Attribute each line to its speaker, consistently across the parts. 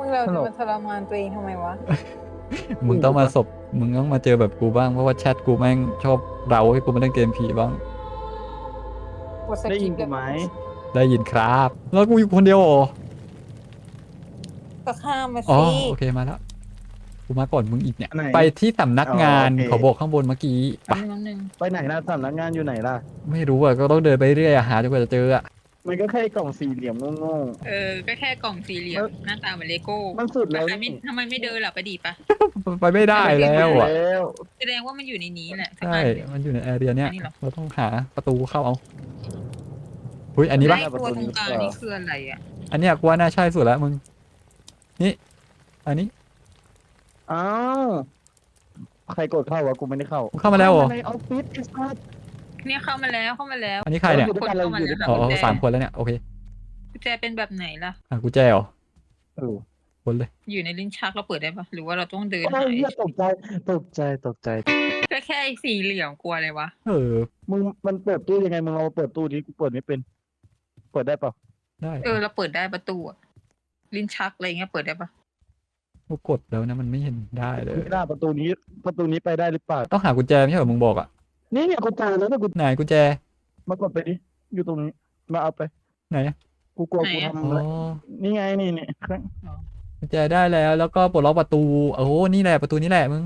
Speaker 1: มึงเราจะมาทรมานตัวเองทำไมวะ
Speaker 2: มึงต้องมาเจอแบบกูบ้างเพราะว่าแชทกูแม่งชอบเราให้กูมาเล่นเกมผีบ้าง
Speaker 1: กดส
Speaker 3: ได้
Speaker 1: กิ
Speaker 3: ยิ
Speaker 1: ป
Speaker 3: นกูไหม
Speaker 2: ได้ยินครับ แล้วกูอยู่คนเดียวเหรอ
Speaker 1: ก็ข้ามมา
Speaker 2: อ๋อ
Speaker 1: สิ
Speaker 2: โอเคมาแล้วกูมาก่อนมึงอีกเนี่ย
Speaker 3: ไหน
Speaker 2: ไปที่สำนักงาน
Speaker 3: อ๋อโอเค
Speaker 2: เขาบอกข้างบนเมื่อกี้ไป
Speaker 1: น้ำหนึ่ง
Speaker 3: ไปไหนล่ะสำนักงานอยู่ไหนล่ะ
Speaker 2: ไม่รู้อ่ะก็ต้องเดินไปเรื่อยอะหาจนกว่าจะเจออ่ะ
Speaker 3: มันก็แค่กล่องสี่เหลี่ยมโง่
Speaker 4: ก็แค่กล่องสี่เหลี่ยมหน้าตาเหมือนเลโก้
Speaker 3: ๆมันสุดแล้ว
Speaker 4: ทำไมไม่เดินล่ะไปดีปะ
Speaker 2: ไปไม่ได้แล้วอ่ะ
Speaker 3: แล้ว
Speaker 4: แสดงว่ามันอยู่ในนี้แหละ
Speaker 2: ใช่มันอยู่ในแอเรียเนี้ย
Speaker 4: อันนี้เหรอ
Speaker 2: เราต้องหาประตูเข้าเอาเฮ้ยอันนี้ปะ
Speaker 4: ไอ้ตัวตรงกลางนี่คืออะไรอ่ะ
Speaker 2: อันเนี้ยกูว่าน่าใช่สุดแล้วมึงนี่อันนี้
Speaker 3: อ้าวใครกดเข้าวะกูไม่ได้เข้า
Speaker 2: มึงเข้ามาแล้วเหรอ
Speaker 3: ในออฟฟิศไอ้สัส
Speaker 4: เนี่ยเข้ามาแล้ว
Speaker 2: อันนี้ใครเนี่ย
Speaker 3: อยู่ด้วยกันเราอยู่ด้วยกัน
Speaker 2: อ๋อสามคนแล้วเนี่ยโอเค
Speaker 4: กุญแจเป็นแบบไหนล่ะ
Speaker 2: กูแจเหรอ
Speaker 3: เออ
Speaker 2: คนเลย
Speaker 4: อยู่ในลิ้นชักเราเปิดได้ปะหรือว่าเราต้องเดิน
Speaker 3: โอ้
Speaker 4: หาย
Speaker 3: เหี้ยตกใจตกใจ
Speaker 4: ก็แค่สี่เหลี่ยมกลัวอะไรวะ
Speaker 2: เออ
Speaker 3: มึงมันเปิดตู้ยังไงมึงลองมาเปิดตู้นี้กูเปิดไม่เป็น เปิดได้เปล่า
Speaker 2: ได้
Speaker 4: เราเปิดได้ประตูอะลิ้นชักอะไรเงี้ยเปิดได้ปะ
Speaker 2: กูกดแล้วนะมันไม่เห็นได้เลย
Speaker 3: ไม่ได้ประตูนี้ไปได้หรือเปล่า
Speaker 2: ต้องหากุญแจไม่ใช่เหรอมึงบอกอ่ะ
Speaker 3: นี่เนี่ยกูเจอแล้วนะกู
Speaker 2: ไหนกุญแจ
Speaker 3: มากดไปดิอยู่ตรงนี้มาเอาไป
Speaker 2: ไหนอะ
Speaker 3: กูกลัวกูทำ
Speaker 2: อ๋
Speaker 3: อะไร
Speaker 2: อ
Speaker 3: นี่ไงนี่
Speaker 2: กุญแจได้แล้วแล้วก็ปลดล็อกประตูโอ้โหนี่แหละประตูนี้แหละมึง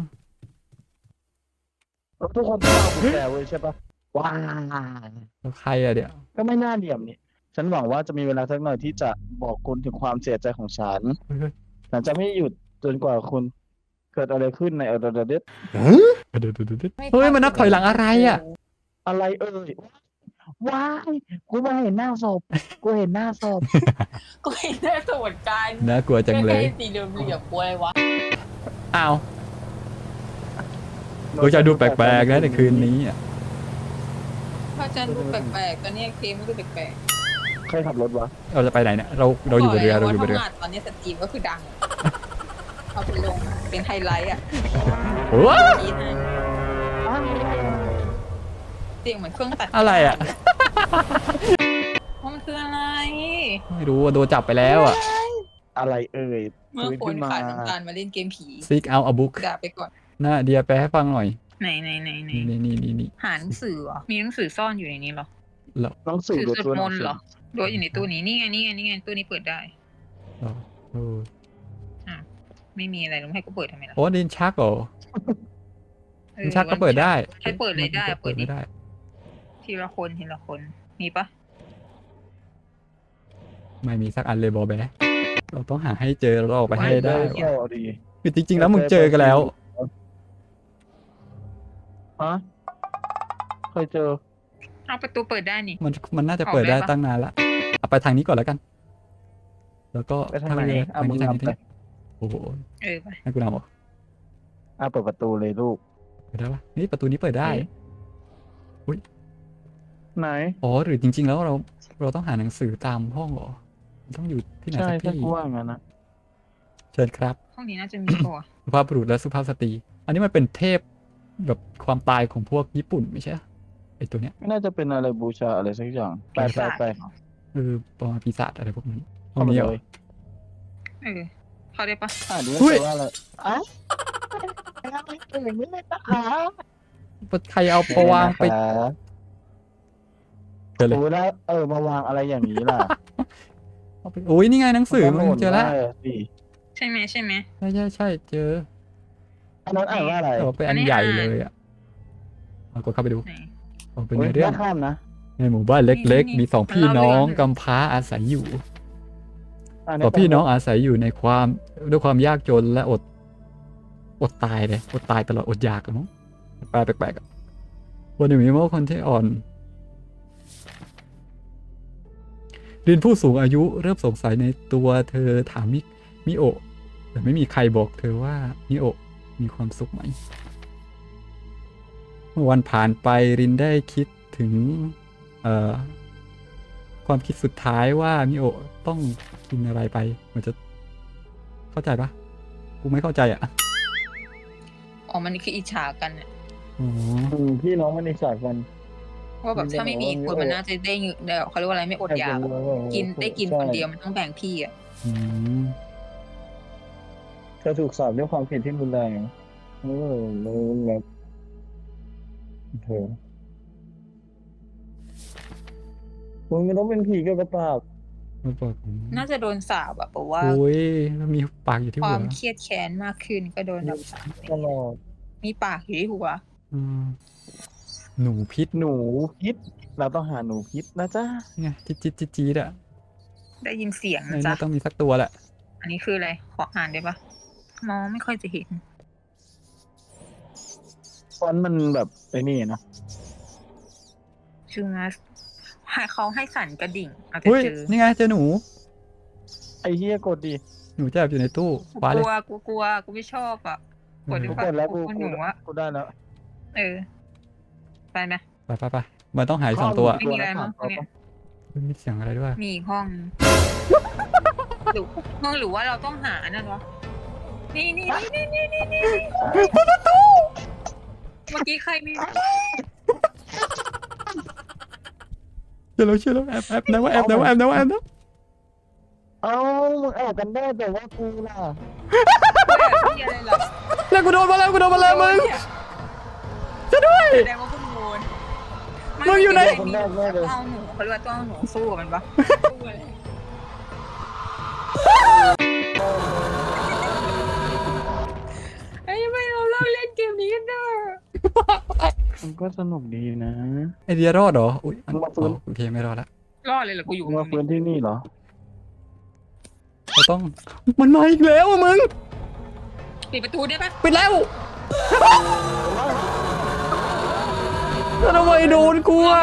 Speaker 3: แล้วทุกคนต้องเอากุญแจเว้ยใช่ปะว้า
Speaker 2: แล้วใครอะเดี๋ยว
Speaker 3: ก็ไม่น่าเหลี่ยมนี่ ฉันหวังว่าจะมีเวลาสักหน่อยที่จะบอกคุณถึงความเสียใจของฉัน
Speaker 2: เฮ้ย
Speaker 3: ฉันจะไม่หยุดจนกว่าคุณเกิดอะไรขึ้นในเดเด
Speaker 2: เดี๋ยวเฮ้ยมันนับถอยหลังอะไรอะ
Speaker 3: อะไรเอ่ยว้ายกูไม่เห็นหน้าศพกูเห็นหน้าศพ
Speaker 4: ก็เห็นได้สวนกัน
Speaker 2: น่ากลัวจังเลย
Speaker 4: สี่เหลี่ยมกลัวอะไรวะ
Speaker 2: อ้าวกูจะดูแปลกๆนะในคืนนี้อะ
Speaker 4: พระอาจารย์ดูแปลกๆตอนนี้เกมดูแปลก
Speaker 3: ใครขับรถวะ
Speaker 2: เราจะไปไหนเนี่ยเราอยู่บนเรือเราอยู่บนเรือ
Speaker 4: ทำงานตอนนี้สตรีมก็คือดังเอาไปลงเป็นไฮไลท์อ่ะ
Speaker 2: โอ้ย
Speaker 4: คิดนะเสียงเหมือนเครื่องตัด
Speaker 2: อะไรอะ
Speaker 4: ว่ามันคืออะไร
Speaker 2: ไม่รู้ว่าโดนจับไปแล้วอะ
Speaker 3: อะไรเอ่ย
Speaker 4: เมื่อ
Speaker 3: ฟื้น
Speaker 4: คน
Speaker 3: ขึ้นมา
Speaker 4: ขายต้องการมาเล่นเกมผี
Speaker 2: seek out a book
Speaker 4: ด่าไปก่อน
Speaker 2: น่าเดียแปลให้ฟังหน่อย
Speaker 4: ไหน
Speaker 2: นี่
Speaker 4: หาหนังสือเหรอมีหนังสือซ่อนอยู่ในนี้เหรอ
Speaker 3: หนังสือ
Speaker 4: ถือ
Speaker 3: หรือ
Speaker 4: ส
Speaker 3: ตัว
Speaker 4: วด
Speaker 3: ห
Speaker 4: ม
Speaker 3: นัง
Speaker 4: นต์
Speaker 3: สื
Speaker 4: เหร
Speaker 3: อ
Speaker 4: อโดยอยู่ในตู้นี้นี่ไงตู้นี้เปิดได้
Speaker 2: เออ
Speaker 4: ไม่มีอะไรต้องให้กูเปิดทำไมล่ะ
Speaker 2: โอ้ดินชักเหรอดินชักก็เปิดได้
Speaker 4: ให้เปิดเลยได้เปิดดิ
Speaker 2: ไม่ได้
Speaker 4: ทีละคนมีปะ
Speaker 2: ไม่มีสักอันเลยบอแบะเราต้องหาให้เจอเราออกไปให้ได้
Speaker 3: ก็ดี
Speaker 2: คือจริงๆแล้วมึงเจอกันแล้ว
Speaker 3: ฮะเคยเจอ
Speaker 4: เอาประตูเปิดได้นี่
Speaker 2: มันน่าจะเปิดได้ตั้งนานละเอาไปทางนี้ก่อนแล้วกัน แล้วก็
Speaker 3: ไปทางไหน
Speaker 2: นี้
Speaker 3: อ่ะมึง
Speaker 2: ทาง
Speaker 3: นำ
Speaker 2: นี้
Speaker 3: ไป
Speaker 2: โอ้โห
Speaker 4: ไป
Speaker 2: ให้กูนำเหรอ
Speaker 3: เปิดประตูเลยลูก
Speaker 2: เปิดได้ปะนี่ประตูนี้เปิดได้
Speaker 3: ไหน
Speaker 2: อ๋อหรือจริง ๆ แล้วเราต้องหาหนังสือตามห้องเหรอมันต้องอยู่ที่ไหน
Speaker 3: ใช่
Speaker 2: สัก
Speaker 3: ใช่
Speaker 2: ที่
Speaker 3: กูว่างั้นนะ
Speaker 2: เชิญครับ
Speaker 4: ห้องนี้น่าจะมีตัว
Speaker 2: สุภาพบุรุษและสุภาพสตรี อันนี้มันเป็นเทพแบบความตายของพวกญี่ปุ่นไม่ใช่เหรอไอตัวเนี้ย
Speaker 3: ไม่น่าจะเป็นอะไรบูชาอะไรสักอย่างไป
Speaker 2: ประมาณปีศาจอะไรพวกนี้ห้องนี้เหรอ
Speaker 4: เข้าได้ปะ
Speaker 3: ดู
Speaker 2: เฮ้ย
Speaker 3: ว่าอะไรอ่ะอะไรเอ่ยไม่ได้นะคะ
Speaker 2: ใครเอาประวางไปเจอเลย
Speaker 3: โอ้แล้วมาวางอะไรอย่างนี้ล่ะ
Speaker 2: เอาไปโอ้ยนี่ไงหนังสือมึงเจอแล้ว
Speaker 3: สิ
Speaker 4: ใช่ไหม
Speaker 2: ใช่เจอ
Speaker 3: อันนั้นอ่านว่าอะไร
Speaker 2: แต่ว่าเป็นอันใหญ่เลยอ่ะเอากดเข้าไปดู
Speaker 4: ไหน
Speaker 2: เอาเป็นในเรื่อง
Speaker 3: ข้ามนะ
Speaker 2: ในหมู่บ้านเล็ก
Speaker 4: นี่
Speaker 2: ๆ มีสองพี่น้องกำพร้าอาศัยอยู่สองพี่น้องอาศัยอยู่ในด้วยความยากจนและอดตายเลยอดตายตลอดอดอยากอะมั้งแปลกๆอะวันหนึ่งมีเมื่อคนที่อ่อนรินผู้สูงอายุเริ่มสงสัยในตัวเธอถามมิโอะแต่ไม่มีใครบอกเธอว่ามิโอะมีความสุขไหมเมื่อวันผ่านไปรินได้คิดถึงความคิดสุดท้ายว่ามิโอะต้องกินอะไรไปมันจะเข้าใจปะกูไม่เข้าใจอ่ะ
Speaker 4: อ๋อมันคืออิจฉากันเนี่ย
Speaker 2: อ๋อ
Speaker 3: พี่น้องมันในสายกัน
Speaker 4: ว่าแบบถ้าไม่มีคนมันน่าจะได้เงินเดี๋ยวเขาเรียกว่าอะไรไม่อดอยากกินได้กินคนเดียวมันต้องแบ่งพี่อ่ะ
Speaker 2: อืม
Speaker 3: จะถูกสอบด้วยความผิดที่รุนแรงแบบเธอมึงไม่ต้องเป็นผีกับกระปาก
Speaker 2: มันบอกผม
Speaker 4: น่าจะโดนสาบอะเพราะว่า
Speaker 2: โอ้ยแล้วมีปากอยู่ที่
Speaker 4: ค
Speaker 2: หั
Speaker 4: วาว มเครียดแค้นมากขึ้นก็โดนแบบสาบ
Speaker 3: ตลอด
Speaker 4: มีปากอยู่ที่หัว
Speaker 2: อืมหนูพิษ
Speaker 3: หนูพิษเราต้องหาหนูพิษนะจ๊ะ
Speaker 2: ไงจิ๊ดจิ๊ดจี๊ดจี๊ดอ่ะ
Speaker 4: ได้ยินเสียง
Speaker 2: ใน
Speaker 4: นะ
Speaker 2: น่า
Speaker 4: จ๊ะ
Speaker 2: ต้องมีสักตัวแหละ
Speaker 4: อันนี้คืออะไรขออ่านได้ปะมองไม่ค่อยจะเห็น
Speaker 3: ฟอนต์มันแบบไอ้นี่นะ
Speaker 4: ชื่อมาให้เขาให้สั่นกระดิ่งอาจจะ
Speaker 2: เฮ้ย
Speaker 4: เจอ
Speaker 2: นี่ไงเจอหนู
Speaker 3: ไอ้เหี้ยกดดิ
Speaker 2: หนูจะแอบอยู่ในตู้
Speaker 4: กู
Speaker 2: คว้าก เลย
Speaker 4: ลัวกูไม่ชอบอ่ะกดดี
Speaker 3: กู
Speaker 4: กว่าก
Speaker 3: ดแล้วกู
Speaker 4: หนูอะ
Speaker 3: กูได้แล้ว
Speaker 4: เออไปไหม
Speaker 2: ไปมันต้องหายสองตัว
Speaker 4: ไม่มีอะไรมั้งเนี่ย
Speaker 2: เฮ้ยมีเสียงอะไรด้วย
Speaker 4: มีอีกห้องหรือห้องหรือว่าเราต้องหานั่นวะนี่เมื่อกี้ใครมี
Speaker 2: เชื่อแล้วแอบนะว่าแอบนะว่าแอบนะว่าแอบนะ
Speaker 3: เอ้ามึงแอบกันได้แต่ว่ากูล่ะ
Speaker 4: ที่อะไรเหรอ
Speaker 2: แล้วกูโดนมาแล้วมึงช่วยด้วย
Speaker 4: แสดงว่าคุณโดน
Speaker 2: มึงอยู่ไหน
Speaker 3: คนแรกแน่เลย
Speaker 4: ต้องเอาหนูเขาเรียกว่าต้องเอาหนูสู้กับมันปะไอ้ยไม่เราเลิกเล่นเกมนี้กันเถอะ
Speaker 3: มันก็สนุกดีนะ
Speaker 2: ไอเดียรอดเหรออุ้ย
Speaker 3: มึงมาฟื้น
Speaker 2: โอเคไม่รอดละ
Speaker 4: รอดเลยเหรอกูอยู่
Speaker 3: มึงมาฟื้นที่นี่เหรอ
Speaker 2: เราต้องมันมาอีกแล้วอะมึง
Speaker 4: ปิดประตูได้ปะ
Speaker 2: ปิดแล้วแล้วทำไมโดนกูอ่ะ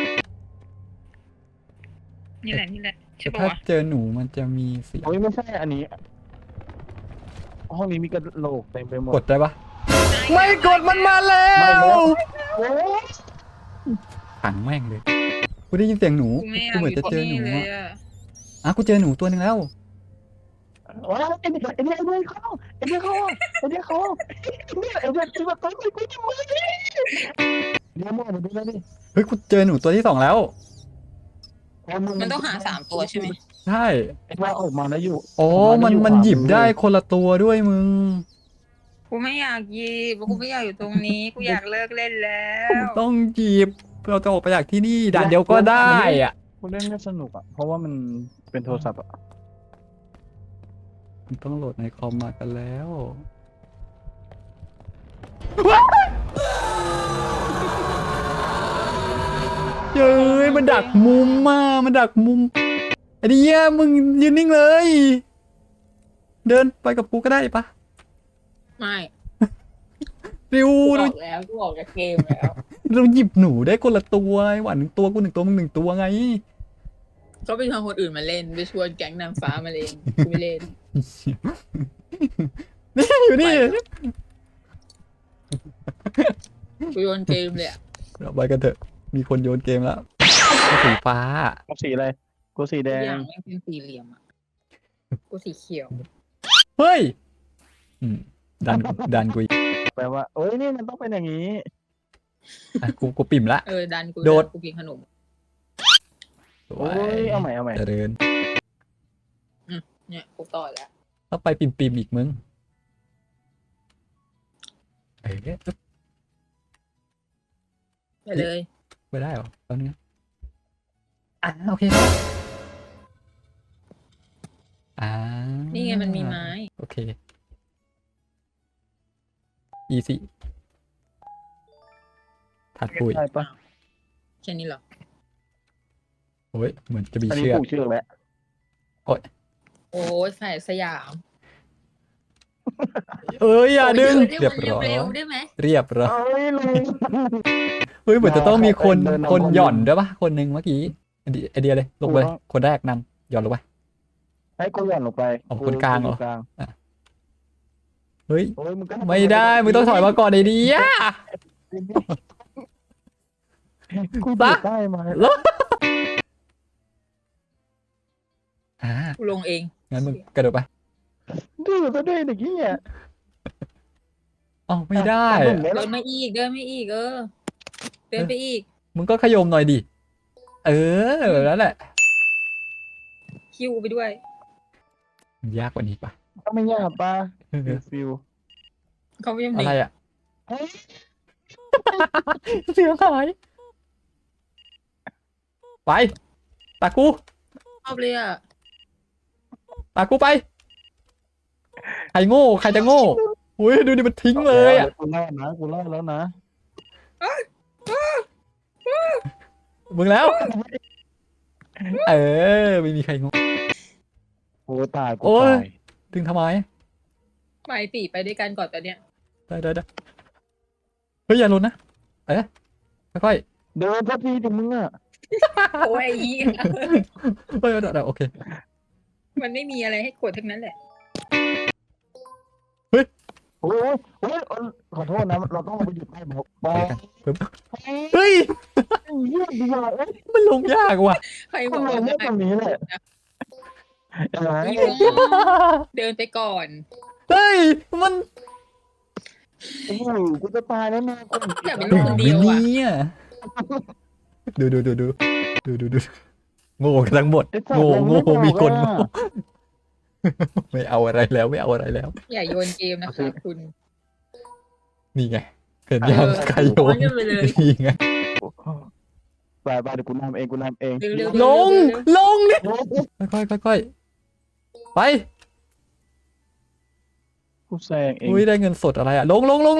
Speaker 4: นี่แหละใช่ปะ
Speaker 2: ถ้าว
Speaker 4: ะ
Speaker 2: เจอหนูมันจะมีเสียง
Speaker 3: โอ้ยไม่ใช่อันนี้ ห้องนี้มีกระโหลกเต็มไปหมด
Speaker 2: กดได้ปะไม่กดมันมาแล้ว
Speaker 3: โอ้ย
Speaker 2: ขังแม่งเลยกูได้ยินเสียงหนู
Speaker 4: กูไม่อยา
Speaker 2: กู
Speaker 4: ก
Speaker 2: เหมือน
Speaker 4: อยู่
Speaker 2: จะเจอหนู
Speaker 4: ที่นี่เลย
Speaker 2: อะ
Speaker 4: อะ
Speaker 2: อ่ะกูเจอหนูตัวหนึงแล้ว
Speaker 3: ว้าวไอ้เนี่ยเข้าไอ้เนี่ยที่มาต้นกูจะมือดิเนี่ยมองมาดูแล้วดิ
Speaker 2: เฮ้ยกูเจอหนูตัวที่สองแล้ว
Speaker 4: มันต้องหา3 ตัวใช่ไหม
Speaker 2: ใช่
Speaker 3: ไอ้ว่าออกมาแล้วอยู่
Speaker 2: อ๋อมันหยิบได้คนละตัวด้วยมึง
Speaker 4: กูไม่อยากหยิบกูไม่อยากอยู่ตรงนี้กูอยากเลิกเล่นแล้ว
Speaker 2: ต้องหยิบเราจะออกไปจากที่นี่ด่านเดียวก็ได้อ่ะ
Speaker 3: กูเล่นไม่สนุกอ่ะเพราะว่ามันเป็นโทรศัพท์อ่ะ
Speaker 2: มันต้องโหลดในคอมมากันแล้วเย้ยมันดักมุมมามันดักมุมไอ้เดียมึงยืนนิ่งเลย เดินไปกับกูก็ได้ปะ
Speaker 4: ไม่
Speaker 2: ริว
Speaker 4: กู
Speaker 2: เรา
Speaker 4: ออกแล้วกูออกจากเกมแล้ว
Speaker 2: เราหยิบหนูได้คนละตัวไอ้หวาน1 ตัวกู1 ตัวมึง1 ตัวไง
Speaker 4: ก็ไปชวนคนอื่นมาเล่นไปชวนแก๊งนางฟ้ามาเล่นกูไม่เล่น
Speaker 2: นี่อยู่นี่
Speaker 4: กูโยนเกมเลยอะ
Speaker 2: เราไปกันเถอะมีคนโยนเกมแล้วสีฟ้า
Speaker 3: กูสีอะไรกูสีแด
Speaker 4: ทุกอง ย่างไม่งเป็นสี่เหลี่ยมอะกูสีเขียว
Speaker 2: เฮ้ยอืมดันกูอีก
Speaker 3: แปลว่าโอ้ยนี่มันต้องเป็นอย่างนี้
Speaker 2: อ่ะกูปิ่มละ
Speaker 4: ดันกู
Speaker 2: โดด
Speaker 4: กูกินขนม
Speaker 2: สว
Speaker 3: โอ้ยเอาใหม่
Speaker 2: เจริญ
Speaker 4: เนี่ยกูต่อแล้ว
Speaker 2: ต้องไปปิ่มอีกมึงเอ๊ะ
Speaker 4: ไปเลย
Speaker 2: ไปได้เหรอตอนนี้โอเคแล้ว
Speaker 4: นี่ไงมันมีไม้
Speaker 2: โอเค easy ถัดปุ๋ย
Speaker 3: ใช่ปะ
Speaker 4: แค่นี้เหรอ
Speaker 2: โอ้ยเหมือนจะมี
Speaker 3: อันนี้
Speaker 2: เชือก
Speaker 3: ผูกเชือกแล้ว
Speaker 4: โอ้ยใส่สยาม
Speaker 2: เอ้ยอย่าดึง
Speaker 4: ได้
Speaker 2: เรียบ
Speaker 4: มัน
Speaker 2: ร้อย
Speaker 4: เร็วๆได้ไหม
Speaker 2: เรียบร้อย
Speaker 3: เอ้ยลุง
Speaker 2: เฮ้ยเหมือนจะต้องมีคน
Speaker 3: เดินนำ
Speaker 2: คน
Speaker 3: คน
Speaker 2: หย่อนด้วยปะคนหนึ่งเมื่อกี้ไอเดียเลยลงไป
Speaker 3: ถูกต้อง
Speaker 2: คนแรกนำหย่อนลงไป
Speaker 3: ให้กูหย่อนลงไป
Speaker 2: เอาคนกลางเหรอ
Speaker 3: กูยู่กลาง
Speaker 2: เฮ้ย
Speaker 3: โอ้ยมึงก็
Speaker 2: ไม่ได้มึงต้องถอยมาก่อนไอเดีย
Speaker 3: กู
Speaker 2: ปะ
Speaker 3: เปิดได้ไหม
Speaker 4: กูลงเอง
Speaker 2: งั้นมึงกระโดดไป
Speaker 3: ดื้อซะด้วยเด็กเหี้ย
Speaker 2: อ๋อไม่ได้
Speaker 3: อ่ะ
Speaker 2: อะ
Speaker 3: เดิ
Speaker 4: เดิ
Speaker 3: น
Speaker 4: นมาอีกเดินไปอีก
Speaker 2: มึงก็ขยมหน่อยดิเออแบบนั้นแหละ
Speaker 4: คิวไปด้วย
Speaker 2: ยากกว่านี้ปะ
Speaker 3: ก็ไม่ยากปะฟิล
Speaker 4: เขาไม่ยัง
Speaker 2: อะไร
Speaker 4: เด็ก
Speaker 2: อ่ะ เสียงหาย ไป ตากู
Speaker 4: ชอบเลยอ่ะ
Speaker 2: ตากูไป ใครโง่ ใครจะโง่อุ้ยดูดิมันทิ้งเลยอ่ะ
Speaker 3: กูรอดนะกูรอดแล้วนะ
Speaker 2: มึงแล้ว เออ ไม่มีใครโง่
Speaker 3: โอ้ตายกู
Speaker 2: โอ้ย
Speaker 3: ตาย
Speaker 2: ดึงทำไม
Speaker 4: ไปตีไปด้วยกันก่อนตอนเนี้ย
Speaker 2: ได้เฮ้ยอย่าหล่นนะ ค่อย
Speaker 3: เดินสักทีถึงมึงอ่ะ
Speaker 4: โอ้ยไอ้เหี้ย
Speaker 2: ๆเฮ้ยเดี๋ยวโอเค
Speaker 4: มันไม่มีอะไรให้กดทั้งนั้นแหละ
Speaker 3: โอ้ยโอ้ยขอโทษนะเราต้องไปหยุดให้บอกบอ
Speaker 2: ไป
Speaker 3: ก
Speaker 2: กันปึ๊บเฮ้ย
Speaker 3: เยี่ยมดีว่ะเอ้ย
Speaker 2: มันลงยากว่ะ
Speaker 4: ใครบ
Speaker 3: ทำ
Speaker 4: อก
Speaker 3: ไม
Speaker 4: ว่า
Speaker 3: ไม่ตรงนี้แหละอะไร
Speaker 4: เดินไปก่อน
Speaker 2: เฮ้ย มัน
Speaker 3: โอ้โหกูจะตายแล้วนะกู
Speaker 4: อยากเป็นลูกคนเดียวอะ
Speaker 2: นี่ดูโง่กันทั้งหมด
Speaker 3: ไอ้สัต
Speaker 2: โง่
Speaker 3: ว์
Speaker 2: โง่
Speaker 3: เราไ
Speaker 2: มีคน
Speaker 3: บอก
Speaker 2: โง่
Speaker 3: อะ
Speaker 2: ไม่เอาอะไรแล้วไม่เอาอะไรแล้ว
Speaker 4: อย่าโยนเกมนะคะคุณ
Speaker 2: นี่ไงเห็นยังใครโยน
Speaker 4: เออไปเลย
Speaker 2: นี่ไง
Speaker 3: ไปเดี๋ยวกูนำเองกูนำเอง
Speaker 4: เร็ว
Speaker 2: ลง
Speaker 4: ๆ
Speaker 2: ลงนี่
Speaker 3: โอ้ย
Speaker 2: ค่อยไป
Speaker 3: กูแซงเอง
Speaker 2: อุ้ยได้เงินสดอะไรอะลง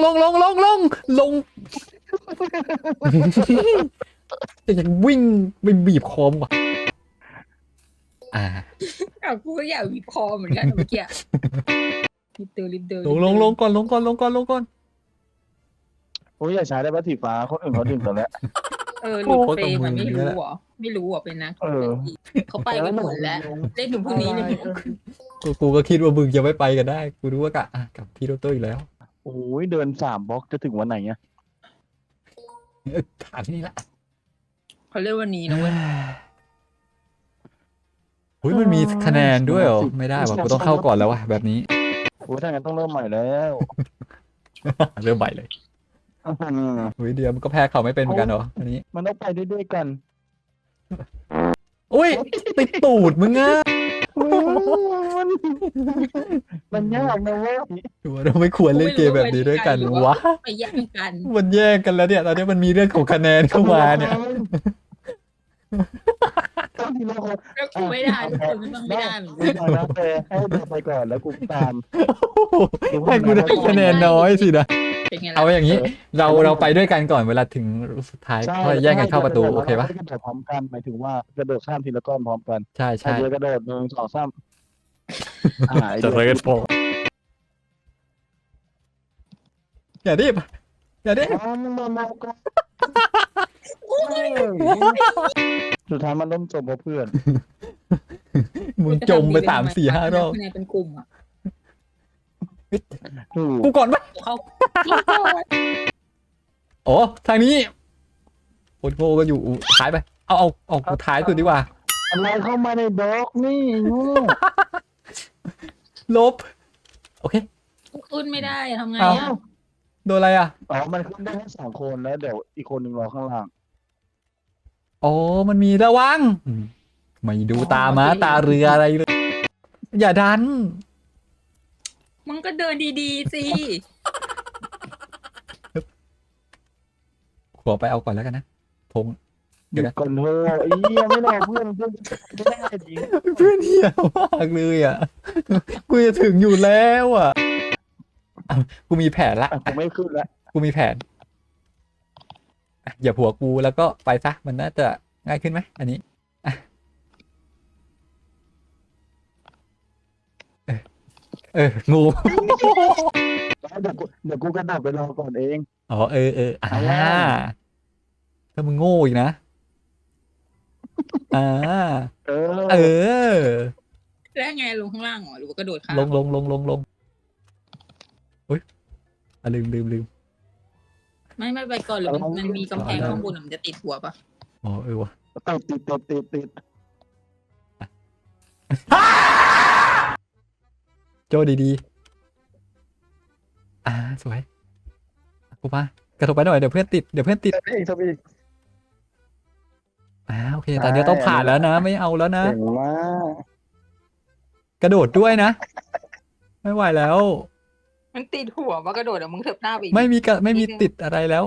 Speaker 2: จะยังวิ่งไปบีบคอมว่ะอ่า
Speaker 4: อ้าวกูก็อยากวีบคอเหมือนกันเมื่อกี้รีบเดิน
Speaker 2: ลงก่อน
Speaker 3: โอ้ยอย่าใช้ได้ปะสีฟ้าคนอื่นเขาดึงกันแล้ว
Speaker 4: หลุดเฟรมมันไม่รู้เหรอไม่รู้เหรอเป็นนะ
Speaker 3: เออ
Speaker 4: เขาไปกันหมดแล้วเล่นถึงพรุ่งนี้เลย
Speaker 2: กูก็คิดว่ามึงจะไม่ไปกันได้กูรู้ว่ากะกับพี่โรโต้อีกแล้ว
Speaker 3: โอ้ยเดิน3 บล็อกจะถึงวันไหนเนี่ย
Speaker 2: ถามที่นี่ละ
Speaker 4: เขาเรียกวันนี้นะเว้ย
Speaker 2: อุ้ยมันมีคะแนนด้วยเหรอไม่ได้ว่ะกูต้องเข้าก่อนแล้วว่ะแบบนี้
Speaker 3: โอ้ยถ้างั้นต้องเริ่มใหม่แล้ว
Speaker 2: เริ่มใหม่เลยอุ้ยเดียวมันก็แพ้เขาไม่เป็นเหมือนกันเหรออันนี้
Speaker 3: มันต้องไปด้วยกัน
Speaker 2: อุ้ยติดตูดมึงอ่ะ
Speaker 3: มันยากนะเว้ย
Speaker 2: เราไม่ควรเล่นเกมแบบนี้ด้วยกันวะ
Speaker 4: ไปแย่งกัน
Speaker 2: มันแย่งกันแล้วเนี่ยตอนนี้มันมีเรื่องของคะแนนเข้ามาเนี่ย
Speaker 3: ต้องทีละคน
Speaker 4: แล้วกูไม่ได้ทุกคนก็ต้องไม่ได้เหมือน
Speaker 3: กู
Speaker 4: กัน
Speaker 3: บอกนะเฟย์ให้เดินไปก่อนแล้วกูตาม
Speaker 2: ให้กูได้คะแนนน้อยสินะ
Speaker 4: เป็นไงล่ะ
Speaker 2: เอาอย่างนี้เราไปด้วยกันก่อนเวลาถึงสุดท้าย
Speaker 3: ใช่
Speaker 2: ค่อยแย่งกันเข้าประตูโอเคปะ
Speaker 3: กระโดดพร้อมกันหมายถึงว่ากระโดดข้ามทีละก้อนพร้อมกัน
Speaker 2: ใช่
Speaker 3: ใช่
Speaker 2: ใช่
Speaker 3: เลยกระโดด1 2 3
Speaker 2: จะเลยกันพออย่าดิบอย่าดิบ
Speaker 3: สุดท้ายมันล้มจบเพราะเพื่อน
Speaker 2: มึงจมไป3-4-5 รอบ
Speaker 4: คะแนนเป็นกลุ่มอ่ะ
Speaker 3: ถูก
Speaker 2: กูก่อนปะ
Speaker 4: เขา
Speaker 2: โอ้ทางนี้คนโง่ก็อยู่ท้ายไปเอากูท้ายสุดดีกว่า
Speaker 3: อะไรเข้ามาในบล็อกนี่งู
Speaker 2: ลบโอเค
Speaker 4: ขึ้นไม่ได้ทำไง
Speaker 2: เอา
Speaker 4: อ่ะ
Speaker 2: โดนอะไรอ่ะ
Speaker 3: อ๋อมันขึ้นได้แค่2 คนแล้วเดี๋ยวอีกคนหนึ่งรอข้างล่าง
Speaker 2: อ๋อมันมีระวังไม่ดูตาม้าตาเรืออะไรเลย อย่าดัน
Speaker 4: มึงก็เดินดีๆสิ
Speaker 2: ขอไปเอาก่อนแล้วกันนะพง
Speaker 3: หยุดก่อนเถอะไอ้เหี้ยไม่รอเพื่อนไม่ได้จริง
Speaker 2: เพื่อนเหี้ยมากเลยอ่ะ กูจะถึงอยู่แล้วอ่ะอ่ะกูมีแผนละ
Speaker 3: อ่ะกูไม่ขึ้นแล้ว
Speaker 2: กูมีแผนอ่ะอย่าผัวกูแล้วก็ไปซะมันน่าจะง่ายขึ้นไหมอันนี้อ่ะงู
Speaker 3: เดี๋ยวกูกระโดดไปรอก่อนเอง
Speaker 2: อ๋อถ้ามึงโง่อีกนะ
Speaker 3: เออ
Speaker 4: แล้วไงลงข้างล่างเหรอหรือว่ากระโดดข้าม
Speaker 2: ลงอุ้ยลืม
Speaker 4: ไม่ไปก่อนหรือมันมีกำแพงข้างบนมันจะติดหัวปะ
Speaker 2: อ๋อวะ
Speaker 3: ติด
Speaker 2: โจดีๆสวยกูมากระโดดไปหน่อยเดี๋ยวเพื่อนติด
Speaker 3: ทำอีก
Speaker 2: โอเคตอนนี้ต้องผ่านแล้วนะไม่เอาแล้วนะ
Speaker 3: เก่งมาก
Speaker 2: กระโดดด้วยนะไม่ไหวแล้ว
Speaker 4: มันติดหัวว่ากระโดดอะมึงเถิบหน้าไปอีก
Speaker 2: ไม่มีติดอะไรแล้ว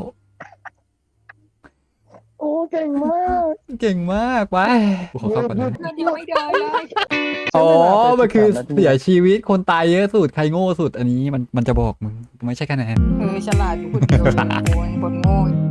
Speaker 3: โอ้เก่งมาก
Speaker 2: เก่งมากไปกูขอเข้าก่อนนะ
Speaker 4: เพื่อนยังไม่เดินเลย
Speaker 2: อ๋อมันคือเสียชีวิตคนตายเยอะสุดใครโง่สุดอันนี้มันจะบอกมึงไม่ใช่คะแนน
Speaker 1: ฉลาดอยู่คนเดียวโอ้ยคนโง่